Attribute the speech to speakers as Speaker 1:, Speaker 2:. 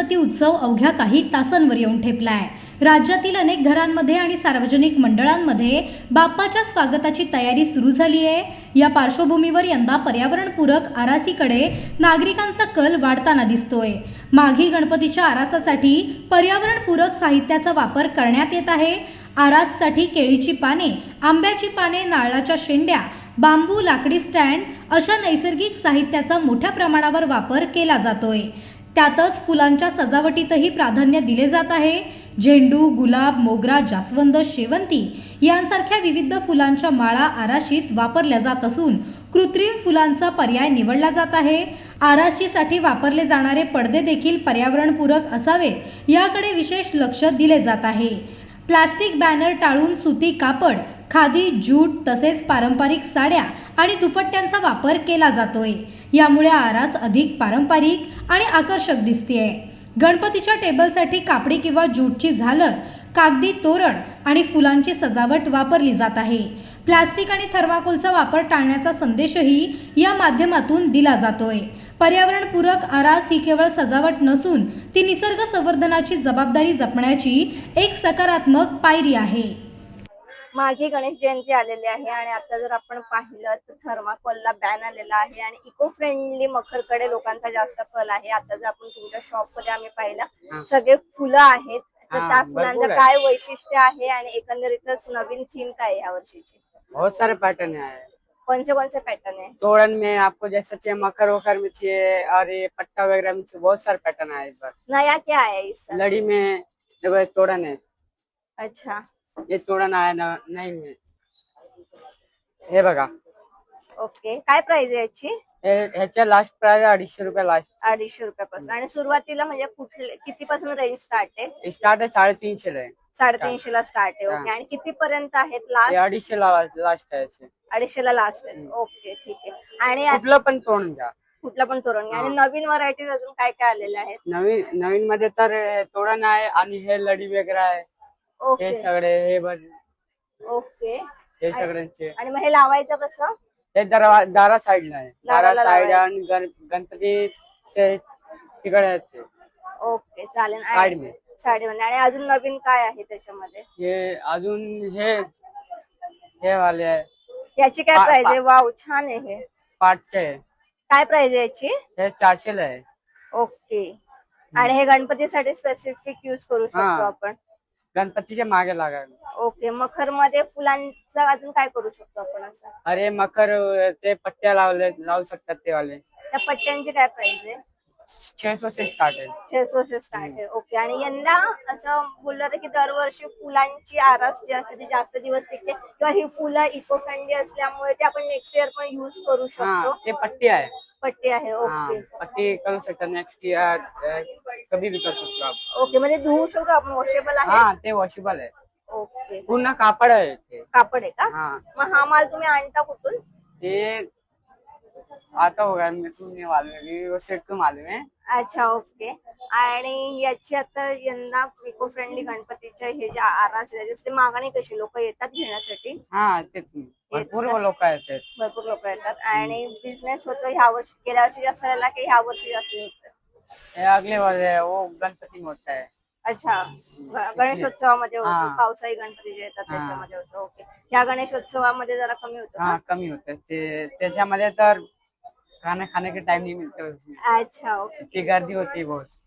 Speaker 1: गणपती उत्सव अवघ्या काही तासांवर येऊन ठेपलाय. राज्यातील अनेक घरांमध्ये आणि सार्वजनिक मंडळांमध्ये बाप्पाच्या स्वागताची तयारी सुरू झाली आहे. या पार्श्वभूमीवर यंदा पर्यावरणपूरक आरासीकडे नागरिकांचा कल वाढताना दिसतोय. माघी गणपतीच्या आरासासाठी पर्यावरणपूरक साहित्याचा वापर करण्यात येत आहे. आराससाठी केळीची पाने, आंब्याची पाने, नारळाच्या शेंड्या, बांबू, लाकडी स्टँड अशा नैसर्गिक साहित्याचा मोठ्या प्रमाणावर वापर केला जातोय. त्यातच फुलांच्या सजावटीतही प्राधान्य दिले जात आहे. झेंडू, गुलाब, मोगरा, जास्वंद, शेवंती यांसारख्या विविध फुलांच्या माळा आराशीत वापरल्या जात असून कृत्रिम फुलांचा पर्याय निवडला जात आहे. आराशीसाठी वापरले जाणारे पडदे देखील पर्यावरणपूरक असावेत, याकडे विशेष लक्ष दिले जात आहे. प्लास्टिक बॅनर टाळून सुती कापड, खादी, ज्यूट तसेच पारंपरिक साड्या आणि दुपट्ट्यांचा वापर केला जातोय. यामुळे आरास अधिक पारंपरिक आणि आकर्षक दिसतेय. गणपतीच्या टेबलसाठी कापडी किंवा ज्यूटची झालर, कागदी तोरण आणि फुलांची सजावट वापरली जात आहे. प्लास्टिक आणि थर्माकोलचा वापर टाळण्याचा संदेशही या माध्यमातून दिला जातोय. पर्यावरणपूरक आरास ही केवळ सजावट नसून ती निसर्ग संवर्धनाची जबाबदारी जपण्याची एक सकारात्मक पायरी आहे.
Speaker 2: मागे गणेश जयंती आलेली आहे आणि आता जर आपण पाहिलं तर थर्माकोलला बॅन आलेला आहे आणि इको फ्रेंडली मखरकडे लोकांचा जास्त कल आहे. आता जर आपण तुमच्या शॉप मध्ये आम्ही पाहिलं सगळे फुलं आहेत, तर त्या फुलांचं काय वैशिष्ट्य आहे आणि एकंदरीतच नवीन थीम काय आहे या वर्षीची?
Speaker 3: बहुत सारे पैटर्न है।
Speaker 2: कौन से पैटर्न है?
Speaker 3: तोड़न में आपको जैसा चाहिए, मकर वकर में चाहिए और ये पट्टा वगैरह में चाहिए, बहुत सारे पैटर्न है इस बार।
Speaker 2: नया क्या है इस साल?
Speaker 3: लड़ी में देखो तोड़न है,
Speaker 2: अच्छा,
Speaker 3: ये तोड़न आया नहीं में, हे बघा।
Speaker 2: ओके, काय प्राइस आहे याची?
Speaker 3: ह्याच्या लास्ट प्राइस 250 रुपये लास्ट।
Speaker 2: 250 रुपयापासून. आणि सुरुवातीला म्हणजे कुठले कितीपासून रेंज स्टार्ट आहे?
Speaker 3: स्टार्ट है 350 ला,
Speaker 2: 350 ला स्टार्ट आहे. ओके, आणि किती पर्यंत आहेत लास्ट?
Speaker 3: 250 ला लास्ट आहे।
Speaker 2: 250 ला लास्ट आहे. ओके, ठीक आहे. आणि
Speaker 3: कुठलं पण तोरण घ्या,
Speaker 2: कुठला पण तोरण घ्या. आणि नवीन व्हरायटीज अजून काय काय आलेल्या आहेत?
Speaker 3: नवीन मध्ये तर तोरण आहे आणि हे लडी वगैरे आहे,
Speaker 2: ओके
Speaker 3: हे सगळे हे बघ,
Speaker 2: ओके.
Speaker 3: हे सगळ्यांचे।
Speaker 2: आणि मग हे लावायचं कसं?
Speaker 3: हे दारा साईडला आहे, दारा
Speaker 2: दाराला
Speaker 3: साईड
Speaker 2: लावायचं.
Speaker 3: आणि गणपती ते तिकडे आहेत ते
Speaker 2: ओके, चालेल.
Speaker 3: साइड में
Speaker 2: साडीमध्ये. आणि अजून नवीन काय आहे त्याच्यामध्ये?
Speaker 3: हे अजून हे वाले आहे,
Speaker 2: याची काय प्राइस आहे? वाव, छान आहे. हे
Speaker 3: पाटचे आहे,
Speaker 2: काय प्राइस आहे याची?
Speaker 3: हे 400 ला आहे।
Speaker 2: ओके. आणि हे गणपतीसाठी स्पेसिफिक युज करू शकतो
Speaker 3: हा.
Speaker 2: आपण?
Speaker 3: गणपतीच्या मागे लागायला।
Speaker 2: ओके. मखर मध्ये फुलांचं अजून काय करू शकतो आपण असं?
Speaker 3: अरे मकर ते पट्ट्या लावू शकतात ते वाले,
Speaker 2: त्या पट्ट्यांची काय प्राइस आहे?
Speaker 3: 600 से स्टार्ट आहे।
Speaker 2: 600 से स्टार्ट आहे. ओके. आणि यंदा असं बोललं होतं की दरवर्षी फुलांची आरास जी असते ती जास्त दिवस टिकते किंवा ही फुलं इको फ्रेंडली असल्यामुळे ते आपण नेक्स्ट इयर पण युज करू
Speaker 3: हा,
Speaker 2: शकतो.
Speaker 3: ते पट्टी आहे।
Speaker 2: पट्टी आहे.
Speaker 3: हाँ,
Speaker 2: ओके.
Speaker 3: पट्टी करू शकता नेक्स्ट ईयर, कभी भी कर सकतो आप।
Speaker 2: ओके, म्हणजे धुवू शकतो आपण, वॉशेबल आहे?
Speaker 3: हा, ते वॉशेबल आहे,
Speaker 2: ओके.
Speaker 3: पूर्ण कापड आहे ते।
Speaker 2: कापड आहे का?
Speaker 3: हाँ,
Speaker 2: मग हा माल तुम्ही आणता कुठून?
Speaker 3: ये आता होगा, मेरे को नहीं मालूम है, वो सेट को मालूम है।
Speaker 2: अच्छा, ओके. आणि याची आता यंदा इको फ्रेंडली गणपतीच्या हे जे आरास आहे मागणी कशी, लोक येतात घेण्यासाठी?
Speaker 3: हा, तेच भरपूर लोक आहेत,
Speaker 2: भरपूर लोक येतात. आणि बिझनेस होतो ह्या वर्षी, गेल्या वर्षी जास्त झाला की ह्या वर्षी जास्त होतं?
Speaker 3: हे अगले वाले वो गणपती मोठा आहे।
Speaker 2: अच्छा, गणेशोत्सवामध्ये होतो,
Speaker 3: हा.
Speaker 2: पावसाळी गणपती जे येतात
Speaker 3: हा.
Speaker 2: त्याच्यामध्ये होतो. ओके. ह्या गणेशोत्सवामध्ये जरा कमी होतं
Speaker 3: हा,
Speaker 2: का?
Speaker 3: कमी होते ते, त्याच्यामध्ये तर खाना खाने के टाइम नहीं मिलते उसमें,
Speaker 2: अच्छा, ओके.
Speaker 3: इतनी गर्दी होती है बहुत।